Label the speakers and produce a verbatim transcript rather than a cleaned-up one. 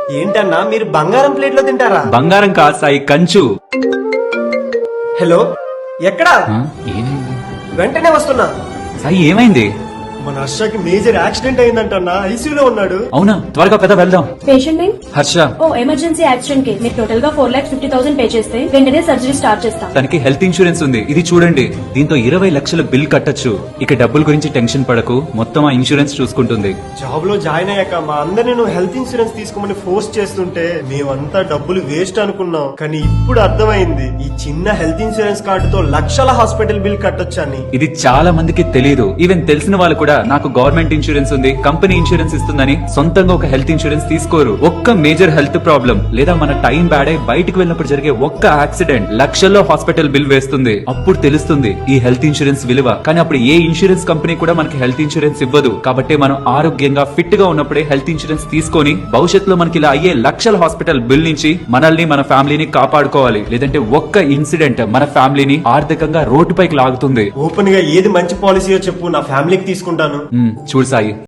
Speaker 1: ఏంటన్నా మీరు బంగారం ప్లేట్ లో తింటారా?
Speaker 2: బంగారం కాదు సాయి, కంచు.
Speaker 1: హలో, ఎక్కడా?
Speaker 2: ఆ, ఏమైంది
Speaker 1: వెంటనే వస్తున్నా.
Speaker 2: సాయి? ఏమైంది?
Speaker 1: మన హర్షకి మేజర్ యాక్సిడెంట్ అయిందంటన్నా, ఐసీయూలో ఉన్నాడు.
Speaker 2: అవునా? త్వరగా పెద్ద వెళ్దాం.
Speaker 3: Patient name
Speaker 2: Harsha.
Speaker 3: ఓ ఎమర్జెన్సీ యాక్సిడెంట్ కి మీరు టోటల్ గా four lakhs fifty thousand pay చేస్తే వెంటనే సర్జరీ స్టార్ట్ చేస్తాం.
Speaker 2: తనకి హెల్త్ ఇన్సూరెన్స్ ఉంది, ఇది చూడండి. దీంతో ఇరవై లక్షల బిల్ కట్టొచ్చు. ఇక డబ్బుల గురించి టెన్షన్ పడకు, మొత్తం ఆ ఇన్సూరెన్స్ చూసుకుంటుంది.
Speaker 1: జాబ్ లో జాయిన్ అయ్యాక మా అందరినీ నువ్వు హెల్త్ ఇన్సూరెన్స్ తీసుకోమని ఫోర్స్ చేస్తుంటే మేమంతా డబ్బులు వేస్ట్ అనుకున్నాం. కానీ ఇప్పుడు అర్థమైంది, ఈ చిన్న హెల్త్ ఇన్సూరెన్స్ కార్డుతో లక్షల హాస్పిటల్ బిల్ కట్టొచ్చని.
Speaker 2: ఇది చాలా మందికి తెలియదు. ఈవెన్ తెలిసిన వాళ్ళు కూడా నాకు గవర్నమెంట్ ఇన్సూరెన్స్ ఉంది, కంపెనీ ఇన్సూరెన్స్ ఇస్తుందని సొంతంగా ఒక హెల్త్ ఇన్సూరెన్స్ తీసుకోరు. ఒక్క మేజర్ హెల్త్ ప్రాబ్లం లేదా మన టైం బ్యాడ్ అయి బయటకు వెళ్ళినప్పుడు జరిగే ఒక్క యాక్సిడెంట్ లక్షల్లో హాస్పిటల్ బిల్ వేస్తుంది. అప్పుడు తెలుస్తుంది ఈ హెల్త్ ఇన్సూరెన్స్ విలువ. కానీ అప్పుడు ఏ ఇన్సూరెన్స్ కంపెనీ కూడా మనకి హెల్త్ ఇన్సూరెన్స్ ఇవ్వదు. కాబట్టి మనం ఆరోగ్యంగా ఫిట్ గా ఉన్నప్పుడే హెల్త్ ఇన్సూరెన్స్ తీసుకొని భవిష్యత్తులో మనకి ఇలా అయ్యే లక్షల హాస్పిటల్ బిల్ నుంచి మనల్ని మన ఫ్యామిలీని కాపాడుకోవాలి. లేదంటే ఒక్క ఇన్సిడెంట్ మన ఫ్యామిలీని ఆర్థికంగా రోడ్డుపైకి లాగుతుంది.
Speaker 1: ఓపెన్ గా ఏది మంచి పాలసీయో చెప్పు, నా ఫ్యామిలీకి తీసుకుంటాను.
Speaker 2: చూడు సాయి,